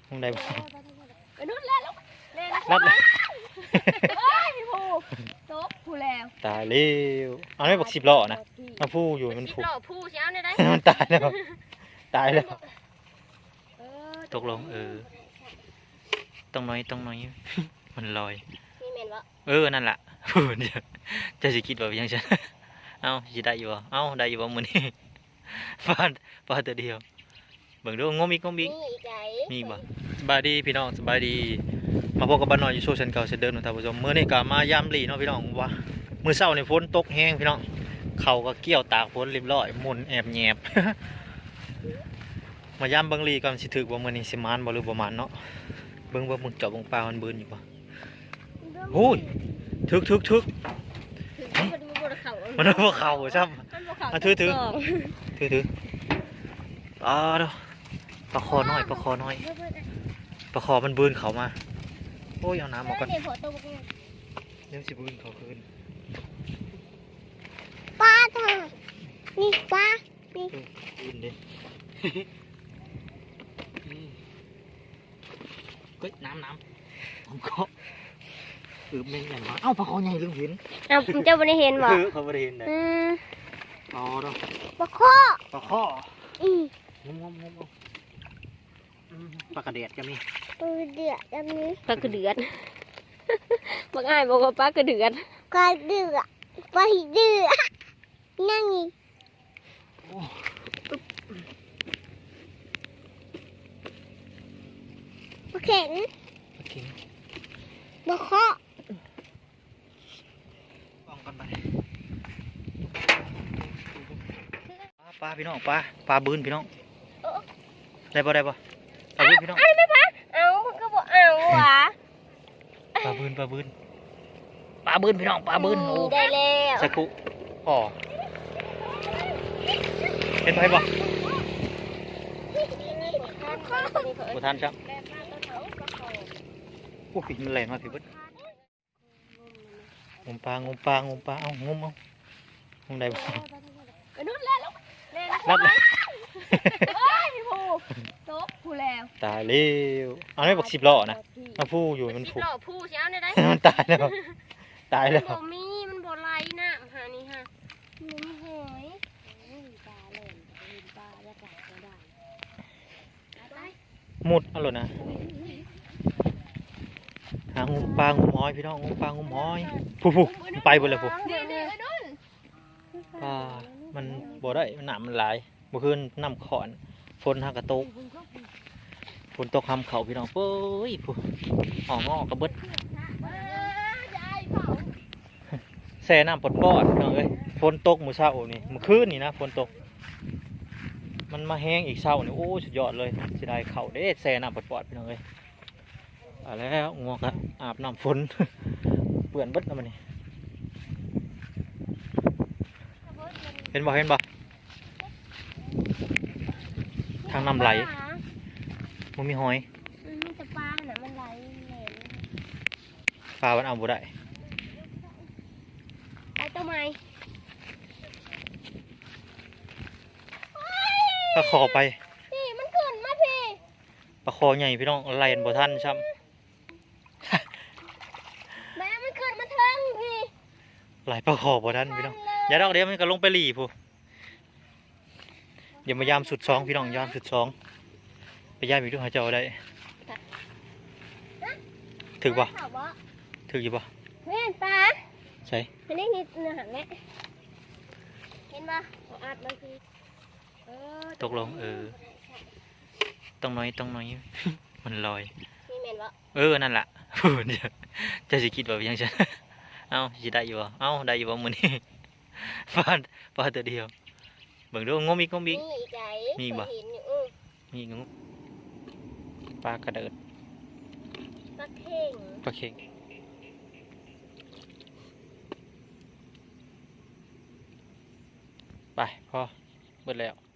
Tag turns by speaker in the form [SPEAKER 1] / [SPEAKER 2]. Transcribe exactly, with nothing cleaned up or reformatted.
[SPEAKER 1] ห้องใดบ่
[SPEAKER 2] ไปนู่นแล้วลูกเล่น
[SPEAKER 1] รัดเลย
[SPEAKER 2] เฮ้ยผู้โต๊ะผู้แล้ว
[SPEAKER 1] ตายเร็วเอาไม่บอกสิบล้อนะมาพูอยู่มัน
[SPEAKER 2] สิบ
[SPEAKER 1] ผูก
[SPEAKER 2] หล่อผู้เช้าเนี่ยได้
[SPEAKER 1] มันตายแล้วตายแล้ว
[SPEAKER 2] เออ
[SPEAKER 1] ตกลงเออต้องน้อยต้องน้อย มันลอย
[SPEAKER 2] นี่เมนวะ
[SPEAKER 1] เออนั่นแหละ เดี๋ยวจะสิคิดว่ายังฉัน เอ้าสิได้อยู่บ่เอ้าได้อยู่บ่มื้อนี้ ฟาดฟาดตัวเดียวเบิ่งดูงมอีกงมอีก
[SPEAKER 2] นี่อีกไก่
[SPEAKER 1] มีบ่สบายดีพี่น้องสบายดีมาพบกับบ้านน้อยอยู่โซเชียลเก่าเช่นเดิมนะท่านผู้ชมมื้อนี้ก็มายามหลีเนาะพี่น้องว่ามื้อเช้านี่ฝนตกแห้งพี่น้องเขาก็เกี่ยวตากฝนเรียบร้อยหมุนแอบแยบ มายามเบิ่งหลีก่อนสิถึกว่ามื้อนี้สิมานบ่หรือบ่มานเนาะเบิ่งว่ามึงเจาะวงปลามันบืนอยู่บ่โอ้ยถึกถึกถึก
[SPEAKER 2] มันบนเขา
[SPEAKER 1] มันบ่เข้าซ้ำ
[SPEAKER 2] มันบนเขา
[SPEAKER 1] อ่ะถือถือ ถือถืออ่าเด้อปลาคอน้อยปลาคอน้อยปลาคอมันบืนเขามาโอ้ยเอาน้ำออกก่อน
[SPEAKER 2] เดี๋ยวพอตัว
[SPEAKER 1] เดี๋ยวสิบืนเขาคืน
[SPEAKER 2] ปลาเถอะนี่ปลานี่
[SPEAKER 1] เออบืนเด้เฮ้ยน้ำน้ำผมก็อือแม่งใหญ่มาเอ้าปลาคอใหญ่ลืมเห็น
[SPEAKER 2] อ้าวเจ้าไม่ได้เห็นบ่
[SPEAKER 1] เออเขาไม่ได้เห็นเลย
[SPEAKER 2] อืม
[SPEAKER 1] อ๋อเด้อ
[SPEAKER 2] ปลาข้อ
[SPEAKER 1] ปลาคอ
[SPEAKER 2] อืม
[SPEAKER 1] งมงมงมอืมปลากระเดียดก็มี
[SPEAKER 2] ปลาเดือดแบบนี้ปลากระเดือดบางอ้ายบอกว่าปลากระเดือดปลาเดือดปลาเดือดนั่งนี่
[SPEAKER 1] โอ้
[SPEAKER 2] ปลาเข็ง
[SPEAKER 1] ปลาเข็ง
[SPEAKER 2] ปลาข้อ
[SPEAKER 1] ป้องกันไปปลาปลาพี่น้องปลาปลาบืนพี่น้องได้ป่ได้ป่ปลาบืนพี่น้อง
[SPEAKER 2] อันไม่ปลาเอาก็บอกเอาวะ
[SPEAKER 1] ปลาบืนปลาบืนปลาบืนพี่น้องปลาบืนโอ้
[SPEAKER 2] ได้แล้ว
[SPEAKER 1] สักคุอ๋อเห็นไหมบ่บุทันครับโอ้ยมันแรงมากพี่เบิ้ลงมปลางมปลางมปลาเอ้างมเอางมได้บ่
[SPEAKER 2] ไปนู่นแล้วลูกเล่น
[SPEAKER 1] รัดเลย
[SPEAKER 2] เฮ้ยผู้โต๊ะผู้แล้ว
[SPEAKER 1] ตายเร็วเอาไม่บอกสิบล้อนะมาพูอยู่มัน
[SPEAKER 2] สิบ
[SPEAKER 1] ผูก
[SPEAKER 2] หล่อผู้เช้าเนี่ยได้
[SPEAKER 1] มันตายแล้วตาย
[SPEAKER 2] มั
[SPEAKER 1] แล้
[SPEAKER 2] น
[SPEAKER 1] ว
[SPEAKER 2] บ่มีมันบ่ไหลน่ะหานี่ฮะมันหอยปลาเล่นปลาแล้วก็ได้
[SPEAKER 1] มุดเอาเลยนะหางมปลางมหอยพี่น้องงมปลางมหอยผู้ผู้ไปหมดเลยผู้
[SPEAKER 2] เดี๋ยวเดี๋ยวไอ้นุ่น
[SPEAKER 1] ปลามันบ่ได้มันหนามมันหลายเมื่อคืนน้ำขอนฝนหักกระตกฝนตกคำเขาพี่น้องเป้ยผู้ห่องอกระเบิดแซ่น้ำปดปอดพี่น้องเอ้ยฝนตกมื้อเช้านี่เมื่อคืนนี่นะฝนตกมันมาแห้งอีกเช้านี่โอ้สุดยอดเลยเสียดายเขาเด้แซ่น้ำปดปอดพี่น้องเอ้ยเอาแล้วงวกอะอาบน้ำฝน เปื่อนเบิดแล้วมันนี่เห็นบ่เห็นบ่ทางน้ำไหลมันมีหอย
[SPEAKER 2] มีแต่ปลาน่ะมันไหลเหลว
[SPEAKER 1] ปลามันเอาบ่ได้
[SPEAKER 2] ไปตัวใหม่
[SPEAKER 1] ปลาคอไป
[SPEAKER 2] พี่มันขึ้นมาพี่
[SPEAKER 1] ปลาคอใหญ่พี่น้องไล่บ่ทันซ้
[SPEAKER 2] แม่มันขึ้นมาเทิงพี่
[SPEAKER 1] ำไล่ปลาคอบ่ทันพี่น้องอย่าดอกเดี๋ยวมันก็ลงไปหลีผู้เดี๋ยวมายามสุดสองพี่น้องยามสุดสองไปย่ามอีกด้วยหาเจ้าได้ถึกบ่ถึกอยู่บ่
[SPEAKER 2] เห็นปลา
[SPEAKER 1] ใช่
[SPEAKER 2] เห็นได้นิดเนื้อหางแม่เห็นปะอัดมันคือ
[SPEAKER 1] ตกลงเออต้องน้อยต้องน้อย มันลอย
[SPEAKER 2] นี่เมนวะ
[SPEAKER 1] เออนั่นแหละ เดี๋ยวจะสิคิดว่ายังฉัน เอ้าสิได้อยู่บ่เอ้าได้อยู่บ่มื้อนี้ ฟาดฟาดตัวเดียวเบิ่งดูงมอีกงมอีก
[SPEAKER 2] นี่อีกไก่
[SPEAKER 1] มีบ่
[SPEAKER 2] เห็นอยู่อื้อ
[SPEAKER 1] มีงมปลากระเดิด
[SPEAKER 2] ปลาเข่ง
[SPEAKER 1] ปลาเค็งไปพอเบิดแล้ว